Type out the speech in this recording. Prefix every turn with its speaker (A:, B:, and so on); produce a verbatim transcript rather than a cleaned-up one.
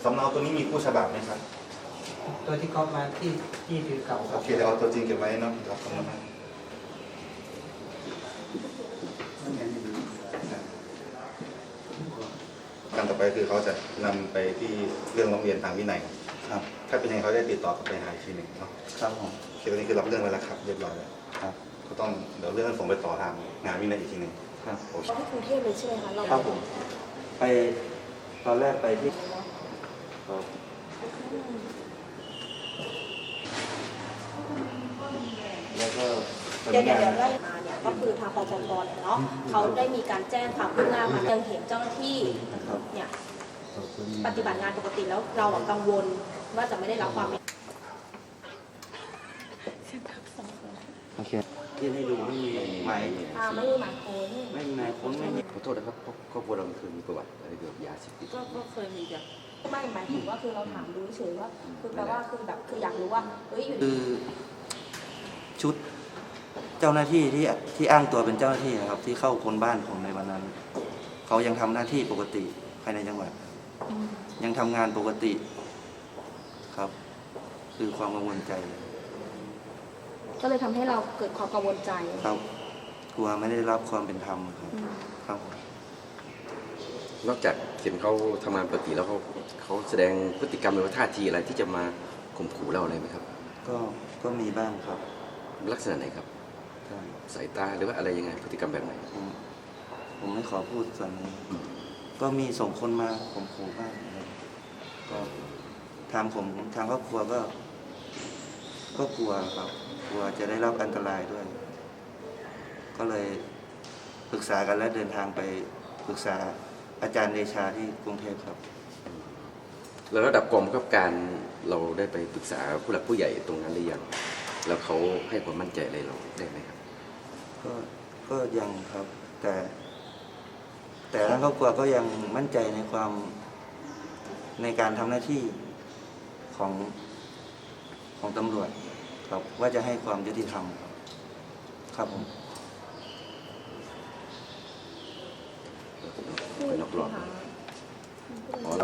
A: สำเนาตัวนี้มีคู่ฉบับไหมครับ
B: ตัวที่ก๊อปมาที่ที่ถือเก่าครั
A: โอบเคเดี๋ยวเอาตัวจริงเก็บไว้เนาะครับสำเนาการต่อไปคือเขาจะนำไปที่เรื่องร้องเรียนทางวินัยครับถ้าเป็นยังไงเขาได้ติดต่อกลับไปหาอีกทีหนึ่งเนาะครับผมโอเคตอนนี้คือรับเรื่องไว้แล้วครับเรียบร้อยแล้วครับก็ต้องเดี๋ยวเรื่องส่งไปต่อทางงานวินัยอีกทีหนึ่งครับโอเค
C: ที่กรุงเทพเลยใช่ไหมคะเรา
D: ครับผมไปตอนแรกไปที่ครับแล้วก็
C: เดี๋ยวเดี๋ยวเดี๋ยวได้มาเนี่ยก็คือทางปปปเนี่ยเนาะเขาได้มีการแจ้งความคืบหน้ามายังเห็นเจ้าหน้าที่เนี่ยปฏิบัติงานปกติแล้วเรากังวลว่าจะไม่ได้รับความเป็น
D: โอเคที่ให้ดูไม่มีหมาย
C: อ่าไม่มีหมายค้น
D: ไม่มีหมายค้นไม่มี
E: ขอโทษนะครับครอบครัวเราเคยมีประวัติอะไรเกี่ยวกับยาเสพติด
C: ก็ก็เคยมีจ้ะไม่หมายถึงว่าคือเราถามดูเฉยว่าคือแปลว่าคือแบบคืออยากรู้ว่าเฮ้ยอยู่
D: คือชุดเจ้าหน้าที่ที่ที่อ้างตัวเป็นเจ้าหน้าที่นะครับ ที่เข้าคนบ้านผมในวันนั้นเขายังทำหน้าที่ปกติภายในจังหวัดยังทำงานปกติครับ คือความกังวลใจ
C: ก็เลยทำให้เราเกิดความกังวลใจ
D: ครับกลัวไม่ได้รับความเป็นธรรมครับครับ
E: นอกจากเห็นเขาทำงานปกติแล้วเขาเขาแสดงพฤติกรรมหรือว่าท่าทีอะไรที่จะมาข่มขู่เราอะไรไหมครับ
D: ก็ก็มีบ้างครับ
E: ลักษณะไหนครับ
D: ครับ
E: สายตาหรือว่าอะไรยังไงพฤติกรรมแบบไหน
D: ผมผมไม่ขอพูดส่วนนี้ก็มีส่งคนมาข่มขู่บ้างอะไรก็ทางผมทางครอบครัวก็ ก็กลัวครับกลัวจะได้รับอันตรายด้วย ก็เลยปรึกษากันและเดินทางไปปรึกษาอาจารย์เดชาที่กรุงเทพครับ
E: แล้วระดับกองบังคับการเราได้ไปปรึกษาผู้หลักผู้ใหญ่ตรงนั้นหรือยังแล้วเขาให้ความมั่นใจอะไรเราได้ไหมครับ
D: ก็ก็ยังครับ แต่ แต่ทางครอบครัวก็ยังมั่นใจในความในการทำหน้าที่ของของตำรวจครับว่าจะให้ความยุติธรรมครับครับผม
E: เป็นนอกรอบ